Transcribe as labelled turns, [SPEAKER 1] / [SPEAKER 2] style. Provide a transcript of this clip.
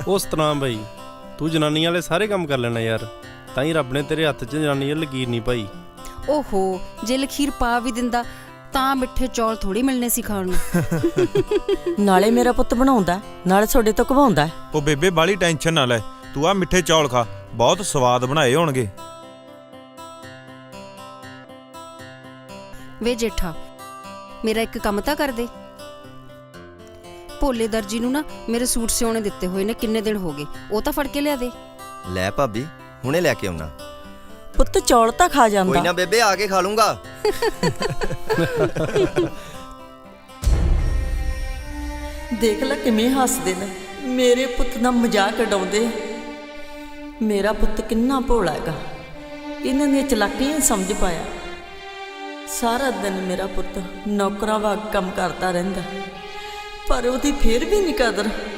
[SPEAKER 1] ਉਸ ਤਰ੍ਹਾਂ ਬਈ ਤੂੰ ਜਨਾਨੀ ਵਾਲੇ ਸਾਰੇ ਕੰਮ ਕਰ ਲੈਣਾ ਯਾਰ, ਤਾਂ ਹੀ ਰੱਬ ਨੇ ਤੇਰੇ ਹੱਥ 'ਚ ਜਨਾਨੀ ਵਾਲੀ ਲਕੀਰ ਨਹੀਂ ਪਾਈ।
[SPEAKER 2] ਓਹੋ, ਜੇ ਲਖੀਰ ਪਾ ਵੀ ਦਿੰਦਾ ਤਾਂ ਮਿੱਠੇ ਚੌਲ ਥੋੜੀ ਮਿਲਨੇ ਸੀ ਖਾਣ ਨੂੰ।
[SPEAKER 3] ਨਾਲੇ ਮੇਰਾ ਪੁੱਤ ਬਣਾਉਂਦਾ, ਨਾਲੇ ਤੁਹਾਡੇ ਤੋਂ ਘਵਾਉਂਦਾ।
[SPEAKER 4] ਉਹ ਬੇਬੇ ਬਾਲੀ ਟੈਨਸ਼ਨ ਨਾ ਲੈ, ਤੂੰ ਆ ਮਿੱਠੇ ਚੌਲ ਖਾ, ਬਹੁਤ ਸਵਾਦ ਬਣਾਏ ਹੋਣਗੇ।
[SPEAKER 2] ਵੇ ਜੇਠਾ, ਮੇਰਾ ਇੱਕ ਕੰਮ ਤਾਂ ਕਰ ਦੇ। ਭੋਲੇ ਦਰਜੀ ਨੂੰ ਨਾ ਮੇਰੇ ਸੂਟ ਸਿਉਣੇ ਦਿੱਤੇ ਹੋਏ ਨੇ, ਕਿੰਨੇ ਦਿਨ ਹੋ ਗਏ, ਉਹ ਤਾਂ ਫੜ ਕੇ ਲਿਆ ਦੇ।
[SPEAKER 5] ਲੈ ਭਾਬੀ, ਹੁਣੇ ਲੈ ਕੇ ਆਉਣਾ।
[SPEAKER 3] ਪੁੱਤ ਚੌਲ ਤਾਂ ਖਾ ਜਾਂਦਾ।
[SPEAKER 5] ਕੋਈ ਨਾ ਬੇਬੇ, ਆ ਕੇ ਖਾ ਲੂੰਗਾ।
[SPEAKER 3] ਦੇਖ ਲੈ ਕਿਵੇਂ ਹੱਸਦੇ ਨੇ, ਮੇਰੇ ਪੁੱਤ ਦਾ ਮਜ਼ਾਕ ਉਡਾਉਂਦੇ। ਮੇਰਾ ਪੁੱਤ ਕਿੰਨਾ ਭੋਲਾ ਹੈਗਾ, ਇਹਨਾਂ ਦੀਆਂ ਚਲਾਕੀਆਂ ਨਹੀਂ ਸਮਝ ਪਾਇਆ। ਸਾਰਾ ਦਿਨ ਮੇਰਾ ਪੁੱਤ ਨੌਕਰਾਂ ਵਾਂਗ ਕੰਮ ਕਰਦਾ ਰਹਿੰਦਾ, ਪਰ ਉਹਦੀ ਫੇਰ ਵੀ ਨਹੀਂ ਕਦਰ।